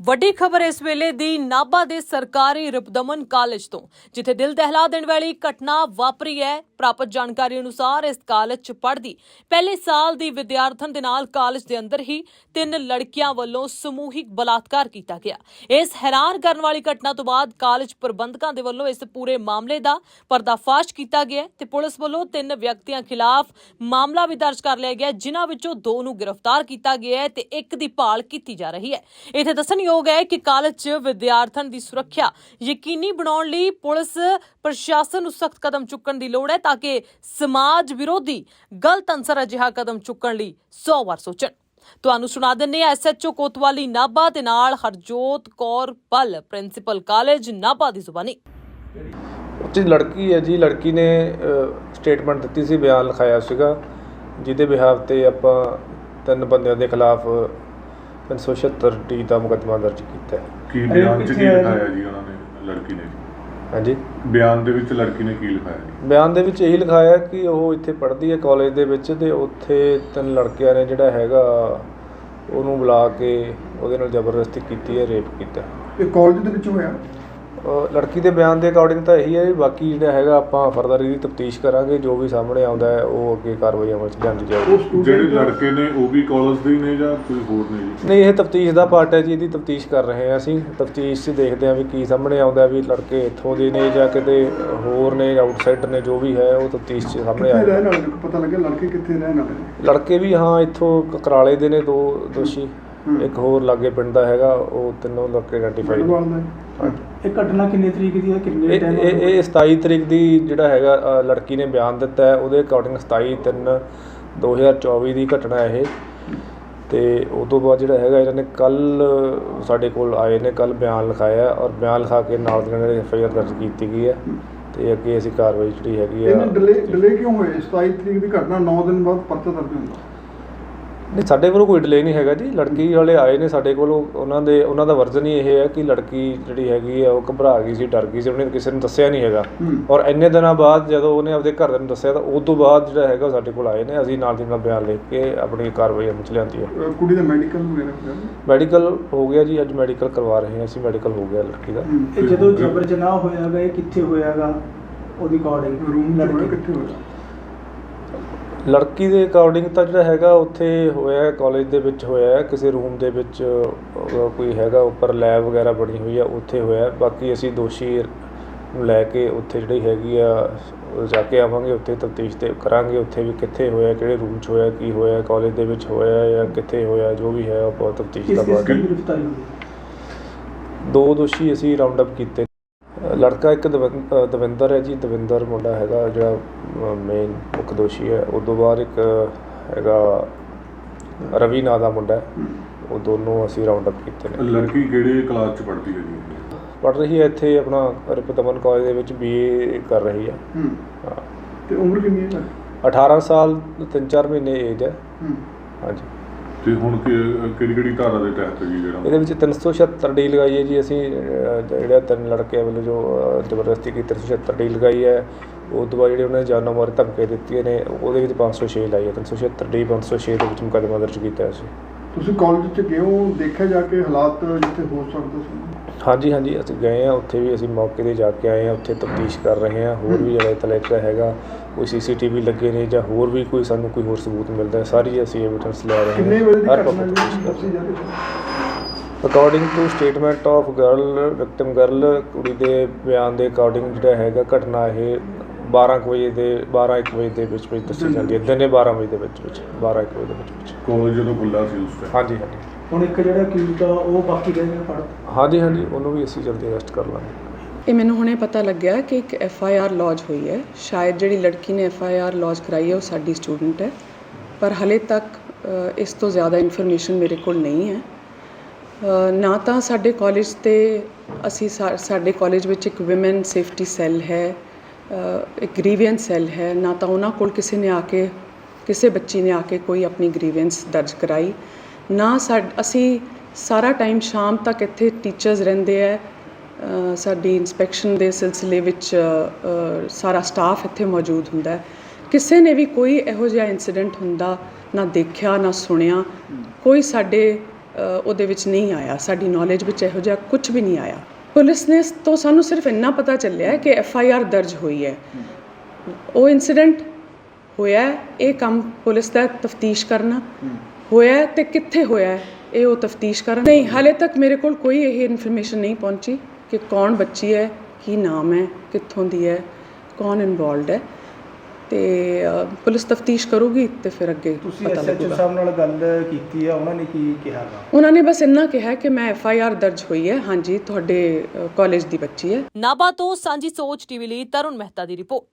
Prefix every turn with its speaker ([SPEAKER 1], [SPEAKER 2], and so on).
[SPEAKER 1] ਵੱਡੀ ਖਬਰ ਇਸ ਵੇਲੇ ਦੀ ਨਾਭਾ ਦੇ ਸਰਕਾਰੀ ਰਿਪਦਮਨ ਕਾਲਜ ਤੋਂ, ਜਿੱਥੇ ਦਿਲ ਦਹਿਲਾ ਦੇਣ ਵਾਲੀ ਘਟਨਾ ਵਾਪਰੀ ਹੈ। ਪ੍ਰਾਪਤ ਜਾਣਕਾਰੀ ਅਨੁਸਾਰ ਇਸ ਕਾਲਜ 'ਚ ਪੜ੍ਹਦੀ ਪਹਿਲੇ ਸਾਲ ਦੀ ਵਿਦਿਆਰਥਣ ਦੇ ਨਾਲ ਕਾਲਜ ਦੇ ਅੰਦਰ ਹੀ 3 ਲੜਕੀਆਂ ਵੱਲੋਂ ਸਮੂਹਿਕ ਬਲਾਤਕਾਰ ਕੀਤਾ ਗਿਆ। ਇਸ ਹੈਰਾਨ ਕਰਨ ਵਾਲੀ ਘਟਨਾ ਤੋਂ ਬਾਅਦ ਕਾਲਜ ਪ੍ਰਬੰਧਕਾਂ ਦੇ ਵੱਲੋਂ ਇਸ ਪੂਰੇ ਮਾਮਲੇ ਦਾ ਪਰਦਾਫਾਸ਼ ਕੀਤਾ ਗਿਆ ਤੇ ਪੁਲਿਸ ਵੱਲੋਂ 3 ਵਿਅਕਤੀਆਂ ਖਿਲਾਫ ਮਾਮਲਾ ਵੀ ਦਰਜ ਕਰ ਲਿਆ ਗਿਆ, ਜਿਨ੍ਹਾਂ ਵਿੱਚੋਂ 2 ਨੂੰ ਗ੍ਰਿਫਤਾਰ ਕੀਤਾ ਗਿਆ ਹੈ ਤੇ 1 ਦੀ ਭਾਲ ਕੀਤੀ ਜਾ ਰਹੀ ਹੈ। ਇੱਥੇ ਦੱਸਣਯੋਗ ਹੈ ਕਿ ਕਾਲਜ 'ਚ ਵਿਦਿਆਰਥਣ ਦੀ ਸੁਰੱਖਿਆ ਯਕੀਨੀ ਬਣਾਉਣ ਲਈ ਪੁਲਿਸ ਪ੍ਰਸ਼ਾਸਨ ਨੂੰ ਸਖਤ ਕਦਮ ਚੁੱਕਣ ਦੀ ਲੋੜ ਹੈ, ਤਾਂ ਕਿ ਸਮਾਜ ਵਿਰੋਧੀ ਗਲਤ ਅਨਸਰ ਅਜਿਹਾ ਕਦਮ ਚੁੱਕਣ ਲਈ 100 ਵਾਰ ਸੋਚਣ। ਤੁਹਾਨੂੰ ਸੁਣਾ ਦਿੰਦੇ ਹਾਂ SHO ਕੋਤਵਾਲੀ ਨਾਭਾ ਦੇ ਨਾਲ ਹਰਜੋਤ ਕੌਰ ਪਲ, ਪ੍ਰਿੰਸੀਪਲ ਕਾਲਜ ਨਾਭਾ ਦੀ ਜ਼ੁਬਾਨੀ।
[SPEAKER 2] ਉੱਥੇ ਲੜਕੀ ਹੈ ਜੀ, ਲੜਕੀ ਨੇ ਸਟੇਟਮੈਂਟ ਦਿੱਤੀ ਸੀ, ਬਿਆਨ ਲਿਖਾਇਆ ਸੀਗਾ, ਜਿਹਦੇ ਬਿਹਾਫ ਤੇ ਆਪਾਂ 3 ਬੰਦਿਆਂ ਦੇ ਖਿਲਾਫ 376 ਦਾ ਮੁਕੱਦਮਾ ਦਰਜ ਕੀਤਾ ਹੈ।
[SPEAKER 3] ਕੀ ਬਿਆਨ 'ਚ ਕੀ ਲਿਖਾਇਆ ਜੀ ਉਹਨਾਂ ਨੇ, ਲੜਕੀ ਨੇ?
[SPEAKER 2] ਹਾਂਜੀ,
[SPEAKER 3] ਬਿਆਨ ਦੇ ਵਿੱਚ ਲੜਕੀ ਨੇ ਕੀ ਲਿਖਾਇਆ ਜੀ?
[SPEAKER 2] ਬਿਆਨ ਦੇ ਵਿੱਚ ਇਹੀ ਲਿਖਾਇਆ ਕਿ ਉਹ ਇੱਥੇ ਪੜ੍ਹਦੀ ਹੈ ਕਾਲਜ ਦੇ ਵਿੱਚ, ਤੇ ਉੱਥੇ 3 ਲੜਕਿਆਂ ਨੇ ਜਿਹੜਾ ਹੈਗਾ ਉਹਨੂੰ ਬੁਲਾ ਕੇ ਉਹਦੇ ਨਾਲ ਜ਼ਬਰਦਸਤੀ ਕੀਤੀ ਹੈ, ਰੇਪ ਕੀਤਾ।
[SPEAKER 4] ਇਹ ਕਾਲਜ ਦੇ ਵਿੱਚ ਹੋਇਆ?
[SPEAKER 2] ਲੜਕੀ ਦੇ ਬਿਆਨ ਦੇ ਅਕੋਰਡਿੰਗ ਤਾਂ ਇਹੀ ਹੈ, ਬਾਕੀ ਜਿਹੜਾ ਹੈਗਾ ਆਪਾਂ ਫਰਦਰ ਇਹਦੀ ਤਫਤੀਸ਼ ਕਰਾਂਗੇ, ਜੋ ਵੀ ਸਾਹਮਣੇ ਆਉਂਦਾ ਹੈ ਉਹ ਅੱਗੇ ਕਾਰਵਾਈ ਅਮਲ 'ਚ ਲਿਆਂਦੀ ਜਾਏਗੀ।
[SPEAKER 3] ਜਿਹੜੇ ਲੜਕੇ ਨੇ ਉਹ ਵੀ ਕਾਲਜ ਦੇ ਨੇ ਜਾਂ ਕੋਈ ਹੋਰ ਨੇ ਜੀ?
[SPEAKER 2] ਨਹੀਂ, ਇਹ ਤਫਤੀਸ਼ ਦਾ ਪਾਰਟ ਹੈ ਜੀ, ਇਹਦੀ ਤਫਤੀਸ਼ ਕਰ ਰਹੇ ਹਾਂ ਅਸੀਂ। ਤਫਤੀਸ਼ 'ਚ ਦੇਖਦੇ ਹਾਂ ਵੀ ਕੀ ਸਾਹਮਣੇ ਆਉਂਦਾ, ਵੀ ਲੜਕੇ ਇੱਥੋਂ ਦੇ ਨੇ ਜਾਂ ਕਿਤੇ ਹੋਰ ਨੇ, ਆਊਟਸਾਈਡਰ ਨੇ, ਜੋ ਵੀ ਹੈ ਉਹ ਤਫਤੀਸ਼ 'ਚ ਸਾਹਮਣੇ ਆਏਗਾ।
[SPEAKER 4] ਰਹਿਣ ਵਾਲੇ ਪਤਾ ਲੱਗਿਆ ਲੜਕੇ ਕਿੱਥੇ ਰਹਿਣ ਵਾਲੇ ਨੇ?
[SPEAKER 2] ਲੜਕੇ ਵੀ ਹਾਂ ਇੱਥੋਂ ਕਕਰਾਲੇ ਦੇ ਨੇ 2 ਦੋਸ਼ੀ, ਇੱਕ ਹੋਰ ਲਾਗੇ ਪਿੰਡ ਦਾ ਹੈਗਾ, ਉਹ 3 ਲੜਕੇ ਆਈਡੈਂਟੀਫਾਈ ਨੇ।
[SPEAKER 4] ਇਹ ਘਟਨਾ ਕਿੰਨੀ ਤਰੀਕ ਦੀ ਹੈ, ਕਿੰਨੇ ਟਾਈਮ?
[SPEAKER 2] ਇਹ 27 ਤਰੀਕ ਦੀ ਜਿਹੜਾ ਹੈਗਾ ਲੜਕੀ ਨੇ ਬਿਆਨ ਦਿੱਤਾ ਹੈ, ਉਹਦੇ ਅਕੋਰਡਿੰਗ 27/3/2024 ਦੀ ਘਟਨਾ ਇਹ। ਤੇ ਉਸ ਤੋਂ ਬਾਅਦ ਜਿਹੜਾ ਹੈਗਾ ਇਹਨਾਂ ਨੇ ਕੱਲ੍ਹ ਸਾਡੇ ਕੋਲ ਆਏ ਨੇ, ਕੱਲ੍ਹ ਬਿਆਨ ਲਿਖਾਇਆ, ਔਰ ਬਿਆਨ ਲਿਖਾ ਕੇ ਨਾਲ ਦੀ ਨਾਲ FIR ਦਰਜ ਕੀਤੀ ਗਈ ਹੈ ਤੇ ਅੱਗੇ ਅਸੀਂ ਕਾਰਵਾਈ ਜਿਹੜੀ ਹੈਗੀ ਆ।
[SPEAKER 4] ਡਿਲੇ ਕਿਉਂ ਹੋਏ? 27 ਤਰੀਕ ਦੀ ਘਟਨਾ 9 ਦਿਨ ਬਾਅਦ ਪਰਚਾ ਦਰਜ ਹੁੰਦਾ?
[SPEAKER 2] ਨਹੀਂ, ਸਾਡੇ ਕੋਲ ਕੋਈ ਡਿਲੇ ਨਹੀਂ ਹੈਗਾ ਜੀ। ਲੜਕੀ ਵਾਲੇ ਆਏ ਨੇ ਸਾਡੇ ਕੋਲ, ਉਹਨਾਂ ਦਾ ਵਰਜ਼ਨ ਹੀ ਇਹ ਹੈ ਕਿ ਲੜਕੀ ਜਿਹੜੀ ਹੈਗੀ ਆ ਉਹ ਘਬਰਾ ਗਈ ਸੀ, ਡਰ ਗਈ ਸੀ, ਉਹਨੇ ਕਿਸੇ ਨੂੰ ਦੱਸਿਆ ਨਹੀਂ ਹੈਗਾ। ਔਰ ਇੰਨੇ ਦਿਨਾਂ ਬਾਅਦ ਜਦੋਂ ਉਹਨੇ ਆਪਦੇ ਘਰਦਿਆਂ ਨੂੰ ਦੱਸਿਆ ਤਾਂ ਉਸ ਤੋਂ ਬਾਅਦ ਜਿਹੜਾ ਹੈਗਾ ਸਾਡੇ ਕੋਲ ਆਏ ਨੇ, ਅਸੀਂ ਨਾਲ ਦੀ ਨਾਲ ਬਿਆਨ ਲਿਖ ਕੇ ਆਪਣੀ ਕਾਰਵਾਈ ਅਮਲ 'ਚ ਲਿਆਂਦੀ ਹੈ।
[SPEAKER 4] ਕੁੜੀ ਦਾ ਮੈਡੀਕਲ ਵਗੈਰਾ?
[SPEAKER 2] ਮੈਡੀਕਲ ਹੋ ਗਿਆ ਜੀ, ਅੱਜ ਮੈਡੀਕਲ ਕਰਵਾ ਰਹੇ ਹਾਂ ਅਸੀਂ, ਮੈਡੀਕਲ ਹੋ ਗਿਆ ਲੜਕੀ ਦਾ।
[SPEAKER 5] ਇਹ ਜਦੋਂ ਜਬਰ ਜਨਾਹ ਹੋਇਆਗਾ ਇਹ ਕਿੱਥੇ ਹੋਇਆਗਾ? ਉਹਦੀ ਅਕੋਰਡਿੰਗ
[SPEAKER 4] ਰੂਮ ਲੜਕੇ ਕਿੱਥੇ ਹੋਇਆ?
[SPEAKER 2] ਲੜਕੀ ਦੇ ਅਕੋਰਡਿੰਗ ਤਾਂ ਜਿਹੜਾ ਹੈਗਾ ਉੱਥੇ ਹੋਇਆ, ਕਾਲਜ ਦੇ ਵਿੱਚ ਹੋਇਆ, ਕਿਸੇ ਰੂਮ ਦੇ ਵਿੱਚ ਕੋਈ ਹੈਗਾ ਉੱਪਰ ਲੈਬ ਵਗੈਰਾ ਬਣੀ ਹੋਈ ਆ, ਉੱਥੇ ਹੋਇਆ। ਬਾਕੀ ਅਸੀਂ ਦੋਸ਼ੀ ਨੂੰ ਲੈ ਕੇ ਉੱਥੇ ਜਿਹੜੀ ਹੈਗੀ ਆ ਜਾ ਕੇ ਆਵਾਂਗੇ, ਉੱਥੇ ਤਫਤੀਸ਼ ਤੇ ਕਰਾਂਗੇ, ਉੱਥੇ ਵੀ ਕਿੱਥੇ ਹੋਇਆ, ਕਿਹੜੇ ਰੂਮ 'ਚ ਹੋਇਆ, ਕੀ ਹੋਇਆ, ਕਾਲਜ ਦੇ ਵਿੱਚ ਹੋਇਆ ਜਾਂ ਕਿੱਥੇ ਹੋਇਆ, ਜੋ ਵੀ ਹੈ ਉਹ ਬਹੁਤ ਤਫਤੀਸ਼ ਦਾ ਬਾਅਦ।
[SPEAKER 5] ਗ੍ਰਿਫਤਾਰੀ ਹੋਈ?
[SPEAKER 2] 2 ਦੋਸ਼ੀ ਅਸੀਂ ਰਾਉਂਡ ਅਪ ਕੀਤੇ। ਲੜਕਾ ਇੱਕ ਦਵਿੰਦਰ ਹੈ ਜੀ, ਦਵਿੰਦਰ ਮੁੰਡਾ ਹੈਗਾ ਜਿਹੜਾ ਮੇਨ ਮੁੱਖ ਦੋਸ਼ੀ ਹੈ। ਉਸ ਤੋਂ ਬਾਅਦ ਇੱਕ ਹੈਗਾ ਰਵੀ ਨਾਂ ਦਾ ਮੁੰਡਾ, ਉਹ ਦੋਨੋਂ ਅਸੀਂ ਰਾਉਂਡ ਅਪ ਕੀਤੇ ਨੇ।
[SPEAKER 3] ਲੜਕੀ ਕਿਹੜੇ ਕਲਾਸ 'ਚ ਪੜ੍ਹਦੀ ਹੈ ਜੀ?
[SPEAKER 2] ਪੜ੍ਹ ਰਹੀ ਹੈ ਇੱਥੇ ਆਪਣਾ ਰਿਪਦਮਨ ਕਾਲਜ ਦੇ ਵਿੱਚ, BA ਕਰ ਰਹੀ ਹੈ।
[SPEAKER 4] ਹਾਂ, ਤੇ ਉਮਰ ਕਿੰਨੀ ਹੈ?
[SPEAKER 2] 18 ਸਾਲ 3-4 ਮਹੀਨੇ ਏਜ ਹੈ। ਹਾਂਜੀ।
[SPEAKER 3] ਤੇ ਹੁਣ ਕਿਹੜੀ ਧਾਰਾ ਦੇ ਤਹਿਤ ਜੀ ਜਿਹੜਾ
[SPEAKER 2] ਇਹਦੇ ਵਿੱਚ 376 ਲਗਾਈ ਹੈ ਜੀ ਅਸੀਂ, ਜਿਹੜਾ 3 ਲੜਕਿਆਂ ਵੱਲੋਂ ਜੋ ਜ਼ਬਰਦਸਤੀ ਕੀਤੀ 376 ਡੀ ਲਗਾਈ ਹੈ। ਉਸ ਤੋਂ ਬਾਅਦ ਜਿਹੜੇ ਉਹਨਾਂ ਨੇ ਜਾਨੋਂ ਮਾਰ ਧਮਕੀਆਂ ਦਿੱਤੀਆਂ ਨੇ, ਉਹਦੇ ਵਿੱਚ 506 ਲਾਈ ਹੈ। 376 506 ਦੇ ਵਿੱਚ ਮੁਕੱਦਮਾ ਦਰਜ ਕੀਤਾ ਸੀ।
[SPEAKER 4] ਤੁਸੀਂ ਕਾਲਜ 'ਚ ਗਏ ਹੋ, ਦੇਖਿਆ ਜਾ ਕੇ ਹਾਲਾਤ ਜਿੱਥੇ ਹੋ ਸਕਦੇ ਸੀ?
[SPEAKER 2] ਹਾਂਜੀ, ਅਸੀਂ ਗਏ ਹਾਂ, ਉੱਥੇ ਵੀ ਅਸੀਂ ਮੌਕੇ 'ਤੇ ਜਾ ਕੇ ਆਏ ਹਾਂ, ਉੱਥੇ ਤਫਤੀਸ਼ ਕਰ ਰਹੇ ਹਾਂ। ਹੋਰ ਵੀ ਜਿਹੜਾ ਤਲੇਕਾ ਹੈਗਾ, ਕੋਈ CCTV ਲੱਗੇ ਨੇ ਜਾਂ ਹੋਰ ਵੀ ਕੋਈ ਸਾਨੂੰ ਕੋਈ ਹੋਰ ਸਬੂਤ ਮਿਲਦਾ, ਸਾਰੀ ਅਸੀਂ ਐਵੀਡੈਂਸ ਲੈ ਰਹੇ ਹਾਂ।
[SPEAKER 4] ਕਿੰਨੇ ਵਜੇ ਦੀ ਘਟਨਾ ਦੱਸੀ ਜਾ ਰਹੀ ਹੈ?
[SPEAKER 2] According to statement of victim girl, ਕੁੜੀ ਦੇ ਬਿਆਨ ਦੇ ਅਕੋਰਡਿੰਗ ਜਿਹੜਾ ਹੈਗਾ ਘਟਨਾ ਇਹ 12 ਵਜੇ ਦੇ ਵਿੱਚ ਦੱਸੀ ਜਾਂਦੀ ਹੈ। ਦਿਨੇ 12 ਵਜੇ ਦੇ ਵਿੱਚ 12-1 ਵਜੇ ਦੇ ਵਿੱਚ।
[SPEAKER 3] ਕਾਲਜ ਜਦੋਂ ਖੁੱਲ੍ਹਾ ਸੀ ਉਸ ਟਾਈਮ?
[SPEAKER 2] ਹਾਂਜੀ।
[SPEAKER 5] ਹੁਣ ਇੱਕ ਜਿਹੜਾ ਅਕਿਊਜ਼ਡ ਆ ਉਹ ਬਾਕੀ ਰਹਿ ਗਿਆ ਫੜ?
[SPEAKER 2] ਹਾਂਜੀ, ਉਹਨੂੰ ਵੀ ਅਸੀਂ ਜਲਦੀ ਅਰੈਸਟ ਕਰ ਲਾਂਗੇ।
[SPEAKER 6] ਇਹ ਮੈਨੂੰ ਹੁਣੇ ਪਤਾ ਲੱਗਿਆ ਕਿ ਇੱਕ FIR ਲੌਜ ਹੋਈ ਹੈ। ਸ਼ਾਇਦ ਜਿਹੜੀ ਲੜਕੀ ਨੇ FIR ਲੌਜ ਕਰਾਈ ਹੈ ਉਹ ਸਾਡੀ ਸਟੂਡੈਂਟ ਹੈ, ਪਰ ਹਲੇ ਤੱਕ ਇਸ ਤੋਂ ਜ਼ਿਆਦਾ ਇਨਫੋਰਮੇਸ਼ਨ ਮੇਰੇ ਕੋਲ ਨਹੀਂ ਹੈ। ਨਾ ਤਾਂ ਸਾਡੇ ਕਾਲਜ ਤੇ ਸਾਡੇ ਕਾਲਜ ਵਿੱਚ ਇੱਕ ਵਿਮਨ ਸੇਫਟੀ ਸੈੱਲ ਹੈ, ਇੱਕ ਗ੍ਰੀਵੈਂਸ ਸੈੱਲ ਹੈ, ਨਾ ਤਾਂ ਉਹਨਾਂ ਕੋਲ ਕਿਸੇ ਬੱਚੀ ਨੇ ਆ ਕੇ ਕੋਈ ਆਪਣੀ ਗ੍ਰੀਵੈਂਸ ਦਰਜ ਕਰਾਈ, ਨਾ ਅਸੀਂ ਸਾਰਾ ਟਾਈਮ ਸ਼ਾਮ ਤੱਕ ਇੱਥੇ ਟੀਚਰਸ ਰਹਿੰਦੇ ਹੈ। ਸਾਡੀ ਇਨਸਪੈਕਸ਼ਨ ਦੇ ਸਿਲਸਿਲੇ ਵਿੱਚ ਸਾਰਾ ਸਟਾਫ ਇੱਥੇ ਮੌਜੂਦ ਹੁੰਦਾ ਹੈ। ਕਿਸੇ ਨੇ ਵੀ ਕੋਈ ਇਹੋ ਜਿਹਾ ਇੰਸੀਡੈਂਟ ਹੁੰਦਾ ਨਾ ਦੇਖਿਆ ਨਾ ਸੁਣਿਆ। ਕੋਈ ਸਾਡੇ ਉਹਦੇ ਵਿੱਚ ਨਹੀਂ ਆਇਆ, ਸਾਡੀ ਨੌਲੇਜ ਵਿੱਚ ਇਹੋ ਜਿਹਾ ਕੁਝ ਵੀ ਨਹੀਂ ਆਇਆ। ਪੁਲਿਸ ਨੇ ਤੋਂ ਸਾਨੂੰ ਸਿਰਫ ਇੰਨਾ ਪਤਾ ਚੱਲਿਆ ਕਿ FIR ਦਰਜ ਹੋਈ ਹੈ। ਉਹ ਇਨਸੀਡੈਂਟ ਹੋਇਆ, ਇਹ ਕੰਮ ਪੁਲਿਸ ਦਾ ਤਫਤੀਸ਼ ਕਰਨਾ ਹੋਇਆ ਤੇ ਕਿੱਥੇ ਹੋਇਆ ਇਹ ਉਹ ਤਫਤੀਸ਼ ਕਰਨ। ਨਹੀਂ, ਹਾਲੇ ਤੱਕ ਮੇਰੇ ਕੋਲ ਕੋਈ ਇਹ ਇਨਫੋਰਮੇਸ਼ਨ ਨਹੀਂ ਪਹੁੰਚੀ ਕਿ ਕੌਣ ਬੱਚੀ ਹੈ, ਕੀ ਨਾਮ ਹੈ, ਕਿੱਥੋਂ ਦੀ ਹੈ, ਕੌਣ ਇਨਵੋਲਵਡ ਹੈ। ਤੇ ਪੁਲਿਸ ਤਫਤੀਸ਼ ਕਰੂਗੀ ਤੇ ਫਿਰ ਅੱਗੇ
[SPEAKER 5] ਤੁਸੀਂ
[SPEAKER 6] ਪਤਾ
[SPEAKER 5] SHO
[SPEAKER 6] ਲੱਗੂਗਾ।
[SPEAKER 5] ਸਾਹਿਬ ਨਾਲ ਗੱਲ ਕੀਤੀ ਹੈ, ਉਹਨਾਂ ਨੇ ਕੀ ਕਿਹਾ ਗਾ?
[SPEAKER 6] ਉਹਨਾਂ ਨੇ ਬਸ ਇੰਨਾ ਕਿਹਾ ਕਿ ਮੈਂ FIR ਦਰਜ ਹੋਈ ਹੈ, ਹਾਂਜੀ ਤੁਹਾਡੇ ਕਾਲਜ ਦੀ ਬੱਚੀ ਹੈ।
[SPEAKER 1] ਨਾਭਾ ਤੋਂ ਸਾਂਝੀ ਸੋਚ ਟੀਵੀ ਲਈ ਤਰੁਣ ਮਹਿਤਾ ਦੀ ਰਿਪੋਰਟ।